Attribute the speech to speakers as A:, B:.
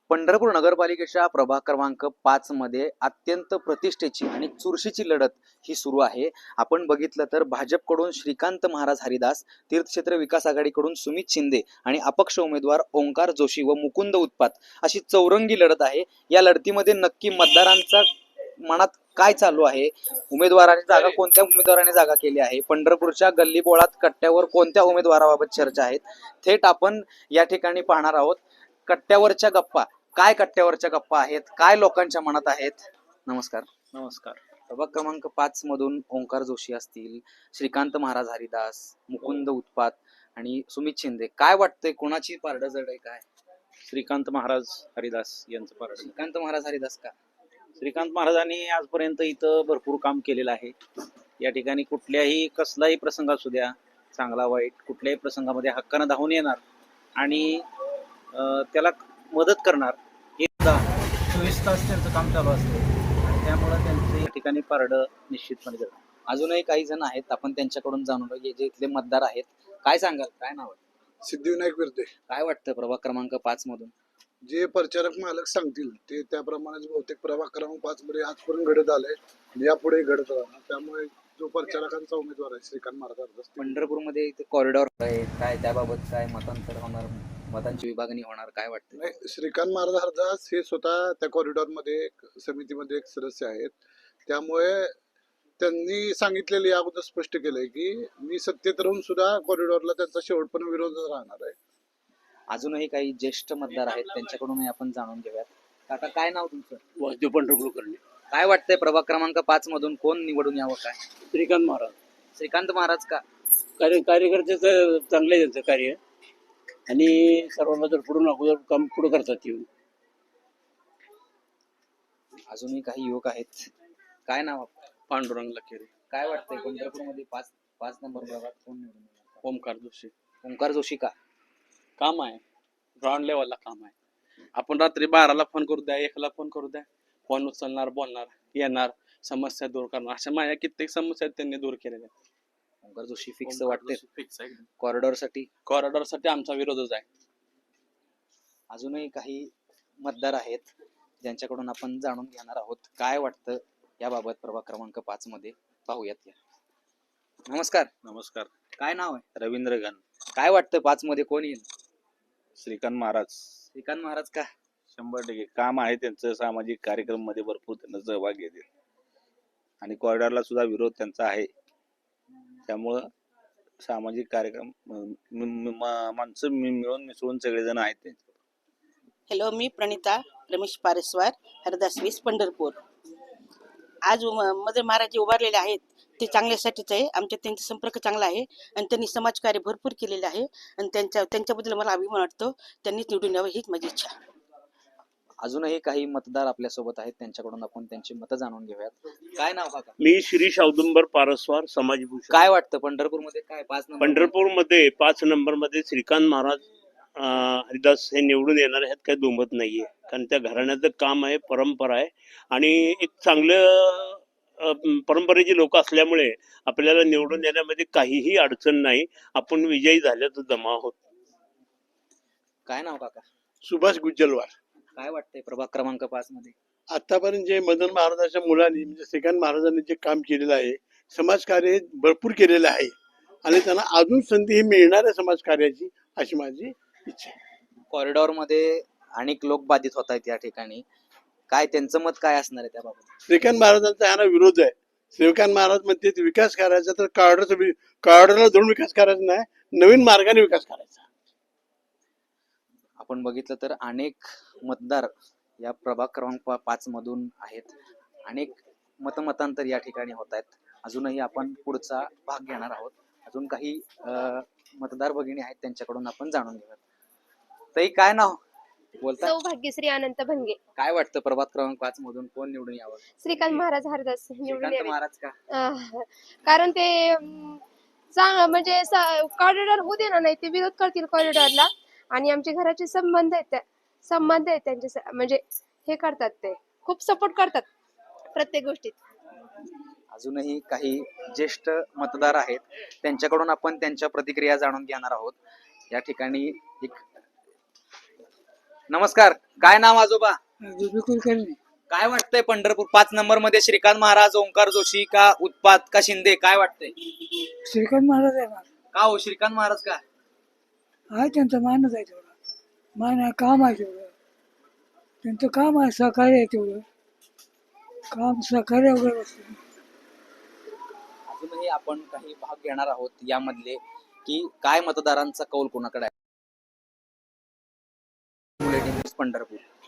A: पंढरपूर नगरपालिकेच्या प्रभाग क्रमांक 5 मध्ये अत्यंत प्रतिष्ठेची आणि चुरशीची लढत ही सुरू आहे. आपण बघितलं तर भाजपकडून श्रीकांत महाराज हरिदास, तीर्थक्षेत्र विकास आघाडीकडून सुमित शिंदे आणि अपक्ष उमेदवार ओंकार जोशी व मुकुंद उत्पात अशी चौरंगी लढत आहे. या लढतीमध्ये नक्की मतदारांचा मनात काय चालू आहे, उमेदवारांनी जागा कोणत्या उमेदवाराने जागा केली आहे, पंढरपूरच्या गल्लीबोळात कट्ट्यावर कोणत्या उमेदवाराबाबत चर्चा आहेत, थेट आपण या ठिकाणी पाहणार आहोत. कट्ट्यावरच्या गप्पा काय, कट्ट्यावरच्या गप्पा आहेत काय, लोकांच्या मनात आहेत. नमस्कार.
B: नमस्कार.
A: प्रभाग क्रमांक 5 मधून ओंकार जोशी असतील, श्रीकांत महाराज हरिदास, मुकुंद उत्पात आणि सुमित शिंदे, काय वाटतंय कोणाची पारड जड आहे काय?
B: श्रीकांत महाराज हरिदास यांचं पारड.
A: श्रीकांत महाराज हरिदास का?
B: श्रीकांत महाराजांनी आजपर्यंत इथं भरपूर काम केलेलं आहे. या ठिकाणी कुठल्याही कसलाही प्रसंग असू द्या, चांगला वाईट, कुठल्याही प्रसंगामध्ये हक्कानं धावून येणार आणि त्याला मदत करणार. हे 24 तास त्यांचं काम चालू असतं आणि त्यामुळं त्यांचं या ठिकाणी पारड निश्चितपणे जड.
A: अजूनही काही जण आहेत, आपण त्यांच्याकडून जाणून घेऊ जे इथले मतदार आहेत. काय सांगाल, काय नाव आहे?
C: सिद्धिविनायक विरते.
A: काय वाटतं प्रभाग क्रमांक 5 मधून?
C: जे प्रचारक मालक सांगतील ते त्याप्रमाणे बहुतेक प्रभाग क्रमांक 5 मध्ये आजपर्यंत घडत आलंय, यापुढे घडत राहणार. त्यामुळे जो प्रचारकांचा उमेदवार आहे श्रीकांत महाराज.
A: पंढरपूरमध्ये इथे कॉरिडॉर आहे, काय त्याबाबत काय मतांतर होणार, मतांची विभागणी होणार, काय वाटतं?
C: नाही, श्रीकांत महाराज हरदास हे स्वतः त्या कॉरिडॉर मध्ये समितीमध्ये एक सदस्य आहेत. त्यामुळे त्यांनी सांगितलेले अगोदर स्पष्ट केलंय की मी सत्तेत राहून सुद्धा कॉरिडॉरला त्यांचा शेवटपर्यंत विरोध राहणार आहे.
A: अजूनही काही ज्येष्ठ मतदार आहेत, त्यांच्याकडूनही आपण जाणून घेऊयात. काका, काय नाव तुमचं?
B: वासुदेव पंढरपूर करणे.
A: काय वाटतंय प्रभाग क्रमांक 5 मधून कोण निवडून यावं काय?
B: श्रीकांत महाराज.
A: श्रीकांत महाराज का?
B: कार्यकर्त्याचं चांगलं आहे त्यांचं कार्य आणि सर्वांना जर पुढून अगोदर काम पुढे करतात येऊन.
A: अजूनही काही युवक आहेत. काय नाव आपलं?
B: पांडुरंग लखेरे.
A: काय वाटतंय पंढरपूरमध्ये 5 नंबर प्रभागात कोण निवडून येणार?
B: ओंकार जोशी.
A: ओंकार जोशी का?
B: काम आहे, ग्राउंड लेवलला काम आहे. आपण रात्री 12ला फोन करू द्या, 1ला फोन करू द्या, फोन उचलणार, बोलणार, येणार, समस्या दूर करणार. अशा माझ्या कित्येक समस्या त्यांनी दूर केलेल्या.
A: ओंकार जोशी फिक्स वाटते.
B: फिक्स आहे.
A: कॉरिडॉर साठी
B: आमचा विरोधच आहे.
A: अजूनही काही मतदार आहेत ज्यांच्याकडून आपण जाणून घेणार आहोत काय वाटतं याबाबत प्रभाग क्रमांक 5 मध्ये. पाहूयात या. नमस्कार.
B: नमस्कार.
A: काय नाव आहे?
B: रवींद्र गण.
A: काय वाटतं 5 मध्ये कोण येईल?
B: श्रीकांत महाराज.
A: श्रीकांत महाराज का?
B: 100% काम आहे त्यांचं. सामाजिक कार्यक्रम मध्ये भरपूर त्यांना सहभाग घेतील आणि कॉरिडॉरला सुद्धा विरोध त्यांचा आहे. त्यामुळं सामाजिक कार्यक्रम माणसं मिळून मिसळून सगळेजण आहेत त्यांचे.
D: हॅलो, मी प्रणिता रमेश पारेस्वार, हरदास 20 पंढरपूर. आज मदर महाराज जे उभारलेले आहेत ते चांगल्यासाठीच आहे. आमच्या त्यांचा संपर्क चांगला आहे आणि त्यांनी समाजकार्य भरपूर केलेले आहे आणि त्यांच्याबद्दल मला अभिमान वाटतो. त्यांनीच निवडून यावं हीच माझी इच्छा.
A: अजूनही काही मतदार आपल्यासोबत आहेत, त्यांच्याकडून आपण त्यांची मतं जाणून घेऊयात. काय नाव काका?
E: मी श्री औदुंबर पारस्वार समाजभूषण.
A: काय वाटतं पंढरपूरमध्ये काय 5 नंबर?
E: पंढरपूरमध्ये 5 नंबरमध्ये श्रीकांत महाराज हरिदास हे निवडून येणार ह्यात काही दुमत नाहीये. कारण त्या घराण्याचं काम आहे, परंपरा आहे आणि एक चांगलं परंपरेची लोक असल्यामुळे आपल्याला निवडून येण्यामध्ये काहीही अडचण नाही. आपण विजयी झाल्याचं जमा आहोत.
A: काय नाव काका?
C: सुभाष गुज्जलवार.
A: काय वाटतंय प्रभाग क्रमांक 5 मध्ये?
C: आतापर्यंत जे मदन महाराजांच्या मुलांनी म्हणजे श्रीकांत महाराजांनी जे काम केलेलं आहे, समाजकार्य भरपूर केलेलं आहे आणि त्यांना अजून संधी ही मिळणार आहे समाजकार्याची, अशी माझी इच्छा आहे.
A: कॉरिडॉर मध्ये अनेक लोक बाधित होत आहेत या ठिकाणी, काय त्यांचं मत काय असणार आहे त्याबाबत?
C: श्रीकांत महाराजांचा ह्याला विरोध आहे. श्रीकांत महाराज म्हणते विकास करायचा तर कॉरिडॉरला धरून विकास करायचा नाही, नवीन मार्गाने विकास करायचा.
A: आपण बघितलं तर अनेक मतदार या प्रभाग क्रमांक 5 मधून आहेत. अनेक मतमतांतर या ठिकाणी होत आहेत. अजूनही आपण पुढचा भाग घेणार आहोत. अजून काही मतदार भगिनी आहेत, त्यांच्याकडून आपण जाणून घेऊयात. ताई, काय नाव बोलता?
F: सौभाग्यश्री अनंत भंगे.
A: काय वाटतं प्रभाग क्रमांक 5 मधून कोण निवडून यावं?
F: श्रीकांत महाराज हरदास निवडून
A: श्रीकांत
F: यावे.
A: महाराज का?
F: कारण ते म्हणजे कॉरिडॉर होऊ देणार नाही, ते विरोध करतील कॉरिडॉरला आणि आमचे घराचे संबंध आहेत त्यांचे, म्हणजे हे करतात, ते खूप सपोर्ट करतात प्रत्येक गोष्टीत.
A: अजूनही काही ज्येष्ठ मतदार आहेत, त्यांच्याकडून आपण त्यांच्या प्रतिक्रिया जाणून घेणार आहोत. या ठिकाणी एक नमस्कार, काय नाव आजोबा?
G: कुलकर्णी.
A: काय वाटतंय पंढरपूर 5 नंबर मध्ये श्रीकांत महाराज, ओंकार जोशी का उत्पात का शिंदे, काय वाटतंय?
G: श्रीकांत महाराज आहे ना,
A: का हो श्रीकांत महाराज का?
G: आहे त्यांचा मानच आहे तेवढा. मान आहे, काम आहे तेवढं. त्यांचं काम आहे, सहकार्य आहे तेवढं. काम सहकार्य वगैरे असतं.
A: अजूनही आपण काही भाग घेणार आहोत यामधले की काय मतदारांचा कौल कोणाकडे आहे. Bulletin news Pandharpur.